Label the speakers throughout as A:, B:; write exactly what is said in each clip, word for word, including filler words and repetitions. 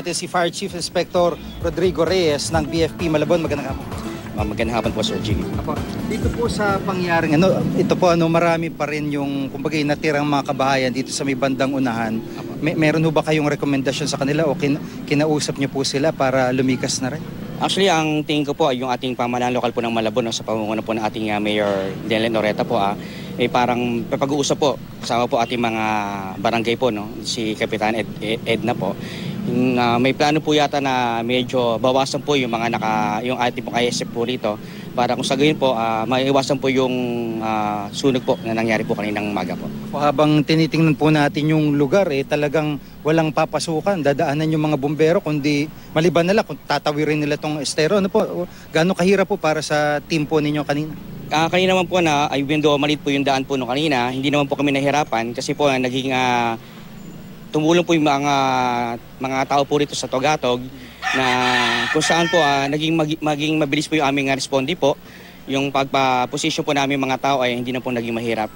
A: Si Fire Chief Inspector Rodrigo Reyes ng B F P Malabon. Magandang hapon.
B: Uh, magandang hapon po, Sir Jimmy.
A: Apo, dito po sa pangyaring ano, ito po ano, marami pa rin yung kumbaga natirang mga kabahayan dito sa may bandang unahan. May, meron ho ba kayong rekomendasyon sa kanila o kin, kinausap niyo po sila para lumikas na rin?
B: Actually, ang tingin ko po ay yung ating pamahalaan lokal po ng Malabon, no, sa pamumuno po ng ating uh, Mayor Delen Oreta po, ah, ay parang pag-uusap po kasama po ating mga barangay po, no, si Kapitan Ed, Ed, Edna po. Yung, uh, may plano po yata na medyo bawasan po yung mga naka, yung ating pong I S F po rito para kung sa gayon po, uh, maiwasan po yung uh, sunog po na nangyari po kaninang umaga po.
A: O, habang tinitingnan po natin yung lugar, eh, talagang walang papasukan, dadaanan yung mga bumbero, kundi maliban nila kung tatawirin nila tong estero. Ano po, gaano kahirap po para sa team po ninyo kanina?
B: Uh, kanina naman po na, ay even though malit po yung daan po no kanina, hindi naman po kami nahirapan kasi po uh, naging uh, tumulong po yung mga mga tao po rito sa Togatog na kung saan po uh, naging mag, maging mabilis po yung aming uh, responde po. Yung pagpa-position po namin mga tao ay hindi na po naging mahirap.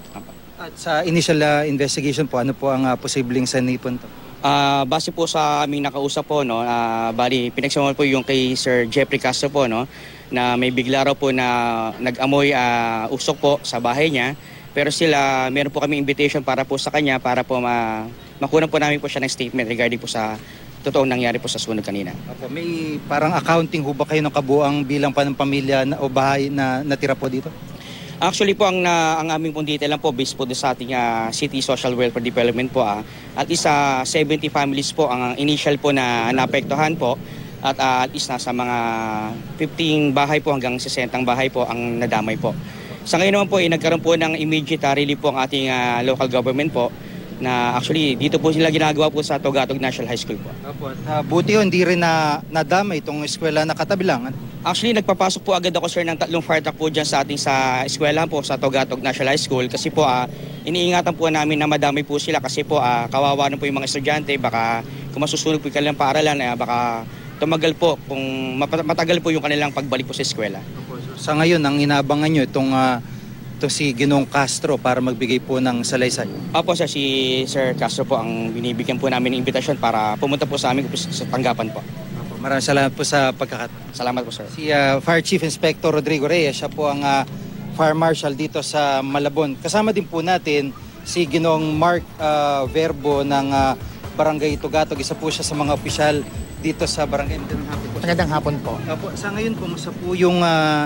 A: At sa initial uh, investigation po, ano po ang uh, posibleng sanipon to?
B: Uh, base po sa aming nakausap po, no, uh, bali pinagsamaan po yung kay Sir Jeffrey Castro po, no, na may bigla raw po na nag-amoy uh, usok po sa bahay niya. Pero sila, meron po kami invitation para po sa kanya para po ma makunan po namin po siya ng statement regarding po sa totoong nangyari po sa sunog kanina.
A: Opo, may parang accounting ho ba kayo ng kabuang bilang pa ng pamilya na, o bahay na natira po dito?
B: Actually po, ang, na, ang aming pong detail lang po based po sa ating uh, City Social Welfare Development po, ah, at least uh, seventy families po ang initial po na naapektuhan po at uh, at least nasa mga fifteen bahay po hanggang sesenta bahay po ang nadamay po. Sa ngayon naman po, eh, nagkaroon po ng immediate uh, relief po ang ating uh, local government po na actually dito po sila ginagawa po sa Togatog National High School po.
A: Opo, uh, buti ho, hindi rin na nadamay itong eskwela na katabi lang.
B: Actually, nagpapasok po agad ako, sir, ng tatlong fire truck po dyan sa ating sa eskwela po sa Togatog National High School kasi po uh, iniingatan po namin na madami po sila kasi po uh, kawawa na po yung mga estudyante, baka kung masusunog po yung kanilang paaralan, eh, baka tumagal po kung matagal po yung kanilang pagbalik po sa eskwela.
A: Opo, so, sa ngayon, ang inaabangan nyo itong uh, ito si Ginoong Castro para magbigay po ng salaysay.
B: Opo, sir, si Sir Castro po ang binibigyan po namin ng imbitasyon para pumunta po sa amin sa tanggapan po.
A: Opo, maraming salamat po sa pagkakat.
B: Salamat po, sir.
A: Si uh, Fire Chief Inspector Rodrigo Reyes, siya po ang uh, Fire Marshal dito sa Malabon. Kasama din po natin si Ginoong Mark uh, Verbo ng uh, Barangay Togatog. Isa po siya sa mga opisyal dito sa barangay. Magandang hapon po.
C: Magandang hapon po.
A: Opo, sa ngayon, kumusta po yung uh,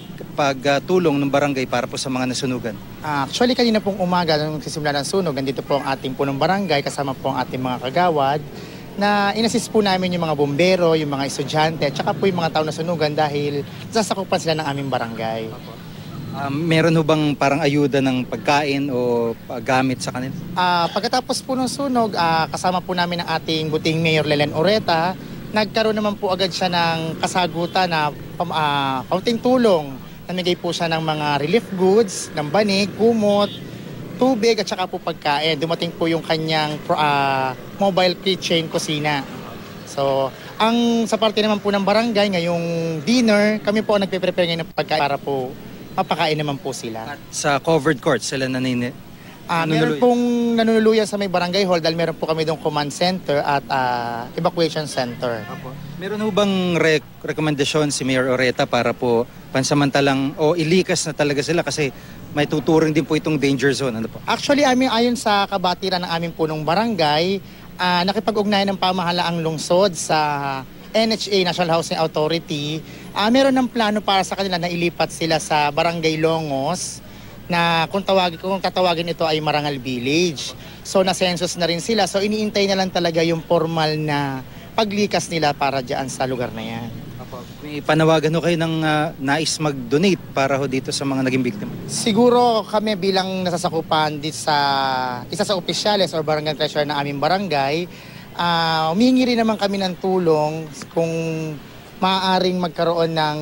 A: pagtulong ng barangay para po sa mga nasunugan?
C: Uh, actually, kanina pong umaga, nung sisimula ng sunog, nandito po ang ating punong barangay, kasama po ang ating mga kagawad, na inassist po namin yung mga bombero, yung mga estudyante, at saka po yung mga tao na sunugan dahil sasakupan sila ng aming barangay.
A: Um, meron ho bang parang ayuda ng pagkain o gamit sa kanila?
C: Uh, pagkatapos po ng sunog, uh, kasama po namin ang ating buting Mayor Delen Oreta, nagkaroon naman po agad siya ng kasagutan na uh, kaunting tulong. Namigay po siya ng mga relief goods, ng banig, kumot, tubig at saka po pagkain. Dumating po yung kanyang uh, mobile kitchen kusina. So, ang sa parte naman po ng barangay, ngayong dinner, kami po ang nagpe-prepare ngayon ng pagkain para po mapakain naman po sila.
A: At sa covered court, sila nanini?
C: Uh, meron pong nanunuluyan sa may barangay hall dahil meron po kami doong command center at uh, evacuation center.
A: Apo. Meron ho bang rek- rekomendasyon si Mayor Oreta para po pansamantalang o ilikas na talaga sila kasi may tuturing din po itong danger zone? Ano po?
C: Actually, amin, ayon sa kabatiran ng aming punong barangay, uh, nakipag-ugnayan ng pamahalaang lungsod sa N H A, National Housing Authority, uh, meron ng plano para sa kanila na ilipat sila sa Barangay Longos na kung tawagin, kung tatawagin ito ay Marangal Village. So na-census na rin sila. So iniintay na lang talaga yung formal na paglikas nila para diyan sa lugar na yan.
A: May panawagan ho kayo ng uh, nais mag-donate para ho dito sa mga naging biktima?
C: Siguro kami bilang nasasakupan dito sa isa sa opisyales or barangay treasurer na aming barangay, uh, humihingi rin naman kami ng tulong kung maaaring magkaroon ng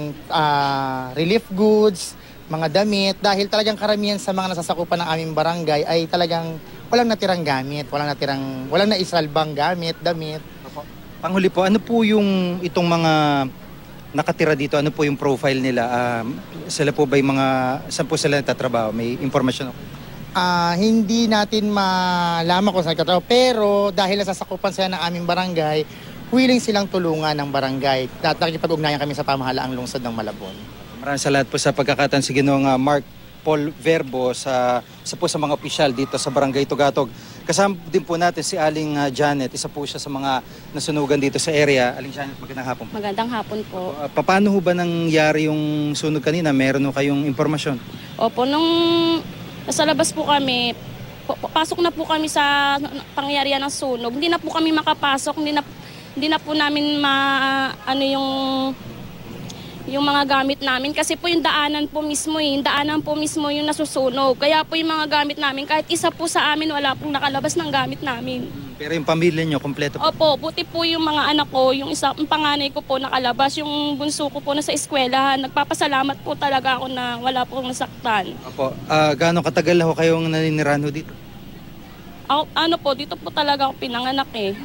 C: uh, relief goods, mga damit, dahil talagang karamihan sa mga nasasakupan ng aming barangay ay talagang walang natirang gamit, walang natirang, walang naisalbang gamit, damit.
A: Panghuli po, ano po yung itong mga nakatira dito, ano po yung profile nila? Um, sila po ba yung mga, saan po sila nagtatrabaho? May informasyon ako?
C: Uh, hindi natin malaman kung saan nagtatrabaho, pero dahil nasasakupan sila ng aming barangay, willing silang tulungan ng barangay. At nakikipag-ugnayan kami sa pamahalaang lungsod ng Malabon.
A: Maraming salamat po sa pagkakataon si Ginoong uh, Mark Paul Verbo sa, sa po sa mga opisyal dito sa Barangay Tugatog. Kasama din po natin si Aling uh, Janet, isa po siya sa mga nasunugan dito sa area. Aling Janet, magandang hapon po.
D: Magandang hapon po.
A: Uh, paano ho ba nangyari yung sunog kanina? Meron ho kayong impormasyon?
D: Opo, nung nasa labas po kami, po- pasok na po kami sa pangyarihan ng sunog. Hindi na po kami makapasok, hindi na, hindi na po namin ma, ano yung, yung mga gamit namin. Kasi po yung daanan po mismo, eh, yung daanan po mismo yung nasusunog. Kaya po yung mga gamit namin, kahit isa po sa amin, wala pong nakalabas ng gamit namin.
A: Pero yung pamilya nyo, kompleto po?
D: Opo, buti po yung mga anak ko, yung isa, yung panganay ko po nakalabas, yung bunso ko po nasa eskwelahan. Nagpapasalamat po talaga ako na wala pong nasaktan.
A: Opo. Uh, gaano katagal ho kayong naninirahan ho dito?
D: Ako, ano po, dito po talaga ako pinanganak eh.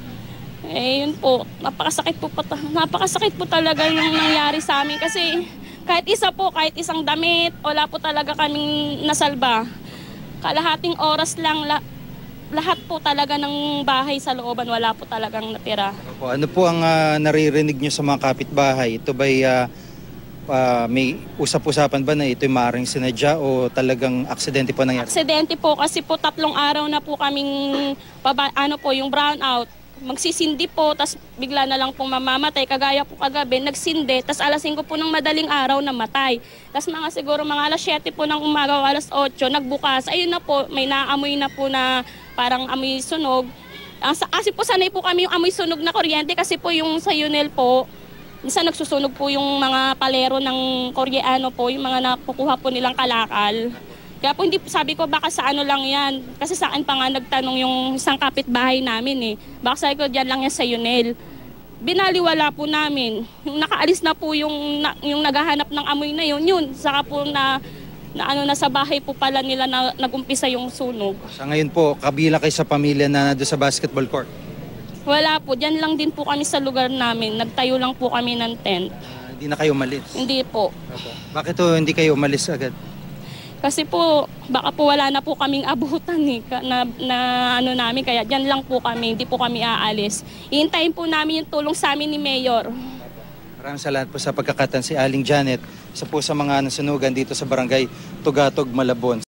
D: Eh yun po, napakasakit po, po napakasakit po talaga yung nangyari sa amin kasi kahit isa po, kahit isang damit, wala po talaga kaming nasalba. Kalahating oras lang, la, lahat po talaga ng bahay sa looban, wala po talagang natira.
A: Opo. Ano po ang uh, naririnig nyo sa mga kapitbahay? Ito ba'y uh, uh, may usap-usapan ba na ito'y maaaring sinadya o talagang aksidente po nangyari?
D: Aksidente po kasi po tatlong araw na po kaming, paba, ano po, yung brownout. Magsisindi po, tas bigla na lang pong mamamatay. Kagaya po kagabi, nagsindi, tas alas singko po ng madaling araw namatay. Tas mga siguro mga alas siyete po ng umaga o alas otso, nagbukas. Ayun na po, may naamoy na po na parang amoy sunog. Uh, kasi po sanay po kami yung amoy sunog na kuryente kasi po yung sa Yunel po, minsan nagsusunog po yung mga palero ng Koreano po, yung mga nakukuha po nilang kalakal. Kaya po hindi, sabi ko baka sa ano lang yan. Kasi sa akin pa nga nagtanong yung isang kapitbahay namin eh. Baka sabi ko dyan lang yan sa Yunel. Binaliwala po namin. Yung nakaalis na po yung, na, yung naghahanap ng amoy na yun, yun. Saka po na, na ano na sa bahay po pala nila na nagumpisa yung sunog.
A: Sa ngayon po, kabila kayo sa pamilya na doon sa basketball court?
D: Wala po, dyan lang din po kami sa lugar namin. Nagtayo lang po kami ng tent.
A: Uh, hindi na kayo umalis?
D: Hindi po.
A: Okay. Bakit to hindi kayo umalis agad?
D: Kasi po, baka po wala na po kaming abutan eh, na, na ano namin, kaya dyan lang po kami, hindi po kami aalis. Ihintayin po namin yung tulong sa amin ni Mayor.
A: Maraming salamat po sa pagkakataon si Aling Janet, isa po sa mga nasunugan dito sa Barangay Tugatog, Malabon.